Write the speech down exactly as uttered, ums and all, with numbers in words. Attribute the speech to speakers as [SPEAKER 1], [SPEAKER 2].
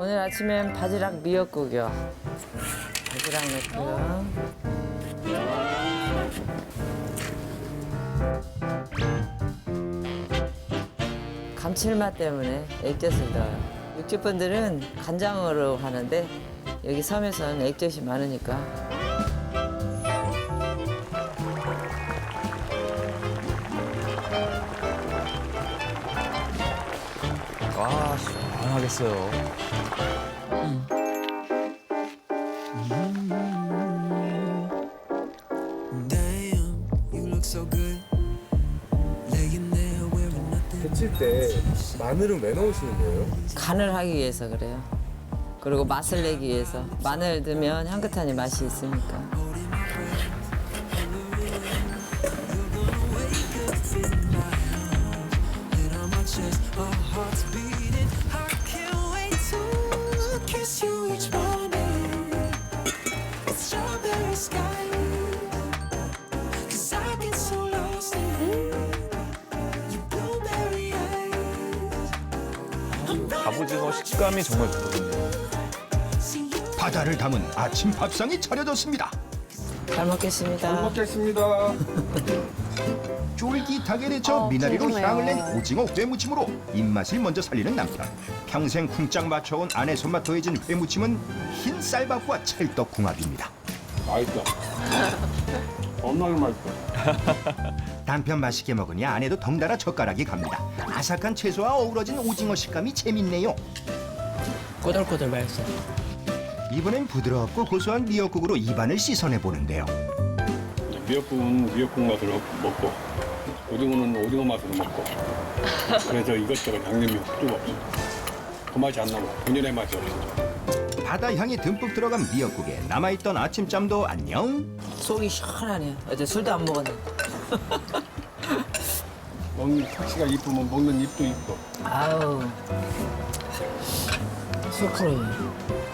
[SPEAKER 1] 오늘 아침엔 바지락 미역국이요. 바지락 넣고요. 감칠맛 때문에 액젓을 넣어요. 육지분들은 간장으로 하는데 여기 섬에서는 액젓이 많으니까.
[SPEAKER 2] 와, 시원하겠어요.
[SPEAKER 3] Damn, you look so good. Laying there wearing nothing.
[SPEAKER 4] 데칠 때 마늘은 왜 넣으시는 거예요?
[SPEAKER 1] 간을 하기 위해서 그래요. 그리고 맛을 내기 위해서. 마늘 넣으면 향긋하니 맛이 있으니까.
[SPEAKER 3] Head on my chest, our hearts beating. I can't wait to kiss you each morning. It's strawberry skies. 'Cause I get so lost in your blueberry eyes. I'm
[SPEAKER 2] 갑오징어 식감이 정말 좋거든요.
[SPEAKER 3] see you.
[SPEAKER 5] 바다를 담은 아침 밥상이 차려졌습니다.
[SPEAKER 1] 잘 먹겠습니다.
[SPEAKER 4] 먹겠습니다.
[SPEAKER 5] 쫄깃하게 데쳐
[SPEAKER 6] 어,
[SPEAKER 5] 미나리로
[SPEAKER 6] 궁금해요.
[SPEAKER 5] 향을 낸 오징어 회무침으로 입맛을 먼저 살리는 남편. 평생 쿵짝 맞춰온 아내 손맛 더해진 회무침은 흰 쌀밥과 찰떡궁합입니다.
[SPEAKER 4] 맛있다. 겁나게 맛있다.
[SPEAKER 5] 남편 맛있게 먹으니 아내도 덩달아 젓가락이 갑니다. 아삭한 채소와 어우러진 오징어 식감이 재밌네요.
[SPEAKER 1] 꼬들꼬들 맛있어요.
[SPEAKER 5] 이번엔 부드럽고 고소한 미역국으로 입안을 씻어내 보는데요.
[SPEAKER 7] 미역국은 미역국 맛으로 먹고 오징어는 오징어 맛으로 먹고 그래서 이것저것 양념이 필요가 없어. 그 맛이 안 나고 본연의 맛이 없어.
[SPEAKER 5] 바다 향이 듬뿍 들어간 미역국에 남아있던 아침잠도 안녕.
[SPEAKER 1] 속이 시원하네요. 어제 술도 안 먹었는데.
[SPEAKER 7] 먹는 택시가 이쁘면 먹는 입도 이뻐.
[SPEAKER 1] 아우. 소프로.